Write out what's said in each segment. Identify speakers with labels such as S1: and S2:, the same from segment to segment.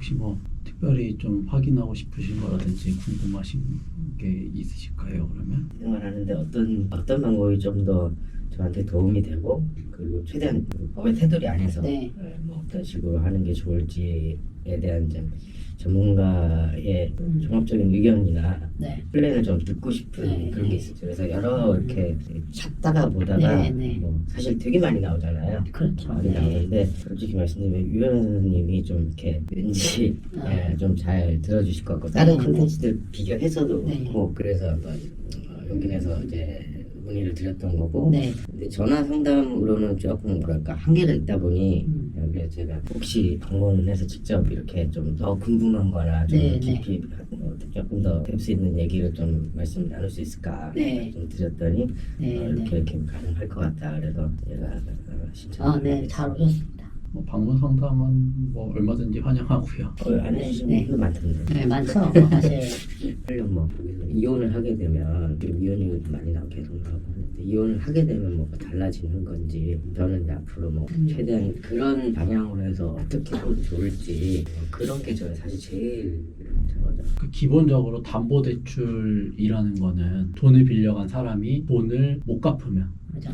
S1: 혹시 뭐 특별히 좀 확인하고 싶으신 거라든지 궁금하신 게 있으실까요? 그러면
S2: 생활하는데 어떤 방법이 좀 더 저한테 도움이 되고 그리고 최대한 법의 테두리 안에서
S3: 네.
S2: 뭐 어떤 식으로 하는 게 좋을지에 대한 좀 전문가의 종합적인 의견이나
S3: 네.
S2: 플랜을 좀 듣고 싶은
S3: 네,
S2: 그런
S3: 네.
S2: 게 있어요. 그래서 여러 이렇게 찾다가 보다가
S3: 네, 네.
S2: 뭐 사실 되게 많이 나오잖아요.
S3: 그렇죠.
S2: 많이
S3: 네.
S2: 나오는데 솔직히 말씀드리면 유현 선생님이 좀 이렇게 왠지 좀 잘 들어주실 것 같고 다른
S3: 네,
S2: 컨텐츠들 비교해서도
S3: 네.
S2: 그렇고 그래서 한번 여기에서 이제 문의를 드렸던 거고
S3: 네.
S2: 근데 전화 상담으로는 조금 뭐랄까 한계가 있다 보니 그래서 제가 혹시 방문을 해서 직접 이렇게 좀 더 궁금한 거나 좀
S3: 네,
S2: 깊이 조금 더 될 수 있는 얘기를 좀 말씀 나눌 수 있을까
S3: 네.
S2: 좀 드렸더니
S3: 네,
S2: 이렇게 가능할 것 같다 그래서 제가 신청을
S3: 네, 잘 오셨습니다.
S1: 뭐 방문 상담은 뭐 얼마든지 환영하고요.
S2: 안 해주시는
S3: 네.
S2: 분도 많던데
S3: 네, 많죠. 사실.
S2: 하려면 뭐 거기서 이혼을 하게 되면 지금 이혼 이유도 많이 나오고 계속 나오고 하는데 이혼을 하게 되면 뭐가 달라지는 건지 저는 이제 앞으로 뭐 최대한 그런 방향으로 해서 어떻게 하면 좋을지 그런 게 저는 사실 제일 저거죠.
S1: 그 기본적으로 담보대출이라는 거는 돈을 빌려간 사람이 돈을 못 갚으면
S3: 그죠?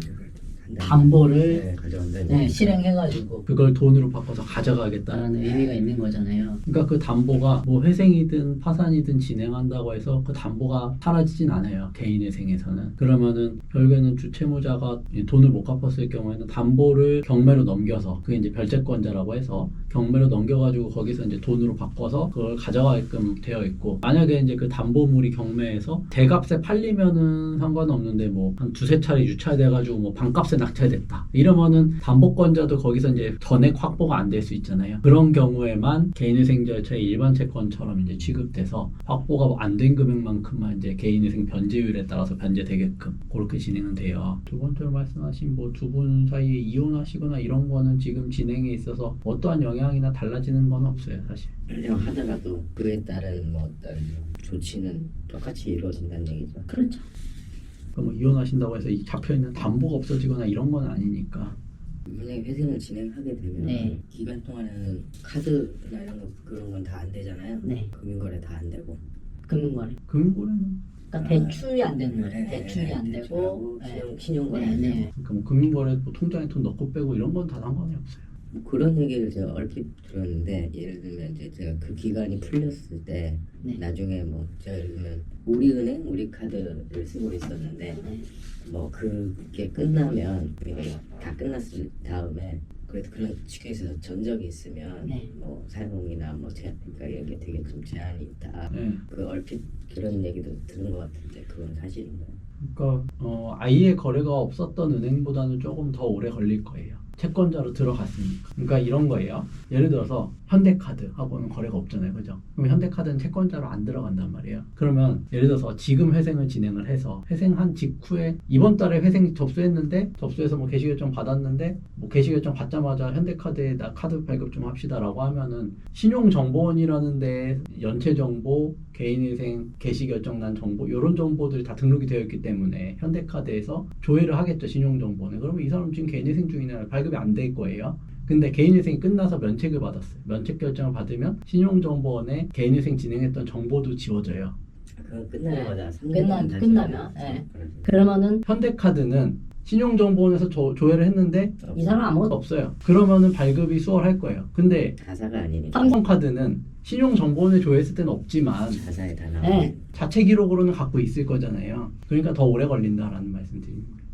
S3: 담보를
S2: 가져간다는
S3: 실행해가지고
S1: 그걸 돈으로 바꿔서 가져가겠다는
S3: 라는 의미가 있는 거잖아요.
S1: 그러니까 그 담보가 뭐 회생이든 파산이든 진행한다고 해서 그 담보가 사라지진 않아요. 개인회생에서는. 그러면은 결국에는 주채무자가 돈을 못 갚았을 경우에는 담보를 경매로 넘겨서 그게 이제 별채권자라고 해서 경매로 넘겨가지고 거기서 이제 돈으로 바꿔서 그걸 가져가게끔 되어 있고 만약에 이제 그 담보물이 경매에서 대값에 팔리면은 상관없는데 뭐 한 두세 차례 유찰돼가지고 뭐 반값에 낙찰됐다 이러면은 담보권자도 거기서 이제 전액 확보가 안 될 수 있잖아요. 그런 경우에만 개인회생 절차의 일반 채권처럼 이제 취급돼서 확보가 안 된 금액만큼만 이제 개인회생 변제율에 따라서 변제되게끔 그렇게 진행은 돼요. 두 번째로 말씀하신 뭐 두 분 사이에 이혼하시거나 이런 거는 지금 진행에 있어서 어떠한 영향이나 달라지는 건 없어요, 사실.
S2: 하더라도 그에 따른 뭐 어떤 조치는 똑같이 이루어진다는 얘기죠.
S3: 그렇죠.
S1: 뭐 이혼하신다고 해서 이 잡혀있는 담보가 없어지거나 이런 건 아니니까.
S2: 만약에 회생을 진행하게 되면
S3: 네.
S2: 기간 동안에는 카드나 이런 거 그런 건 다 안 되잖아요.
S3: 네.
S2: 금융거래 다 안 되고.
S3: 금융거래.
S1: 금융거래는
S3: 그러니까 대출이 안 되는 거예요. 대출이 안 되고.
S2: 신용거래
S3: 네,
S2: 안 되고.
S3: 네.
S1: 그러니까 뭐 금융거래 뭐 통장에 돈 넣고 빼고 이런 건 다 상관이 없어요.
S2: 뭐 그런 얘기를 제가 얼핏 들었는데 예를 들면 이제 제가 그 기간이 풀렸을 때
S3: 네.
S2: 나중에 뭐 제가 예를 들면 우리은행 우리 카드를 쓰고 있었는데
S3: 네.
S2: 뭐 그게 끝나면 다 끝났을 다음에 그래도 그런 측에서 전적이 있으면
S3: 네.
S2: 뭐 사용이나 뭐 제한 그러니까 이런 게 되게 좀 제한이 있다.
S1: 네.
S2: 그 얼핏 그런 얘기도 들은 것 같은데 그건 사실인가요?
S1: 그러니까 아예 거래가 없었던 은행보다는 조금 더 오래 걸릴 거예요. 채권자로 들어갔으니까. 그러니까 이런 거예요. 예를 들어서 현대카드하고는 거래가 없잖아요. 그죠? 그럼 현대카드는 채권자로 안 들어간단 말이에요. 그러면 예를 들어서 지금 회생을 진행을 해서 회생한 직후에 이번 달에 회생 접수했는데 접수해서 뭐 개시결정 받았는데 뭐 개시결정 받자마자 현대카드에 나 카드 발급 좀 합시다라고 하면은 신용정보원이라는 데 연체정보, 개인회생, 개시결정난 정보 이런 정보들이 다 등록이 되어 있기 때문에 현대카드에서 조회를 하겠죠. 신용정보는. 그러면 이 사람 지금 개인회생 중이냐 발급이 안 될 거예요. 근데 개인회생이 끝나서 면책을 받았어요. 면책 결정을 받으면 신용정보원에 개인회생 진행했던 정보도 지워져요.
S2: 그건 끝나자마자
S3: 끝나면 네. 그러면은
S1: 현대카드는 신용정보원에서 조회를 했는데
S3: 이 사람 아무것도
S1: 없어요. 그러면은 발급이 수월할 거예요. 근데
S2: 가사가 아니니까
S1: 삼성카드는 신용정보원에 조회했을 때는 없지만
S2: 가사에 다 나오는
S3: 네.
S1: 자체 기록으로는 갖고 있을 거잖아요. 그러니까 더 오래 걸린다라는 말씀 드리는 거예요.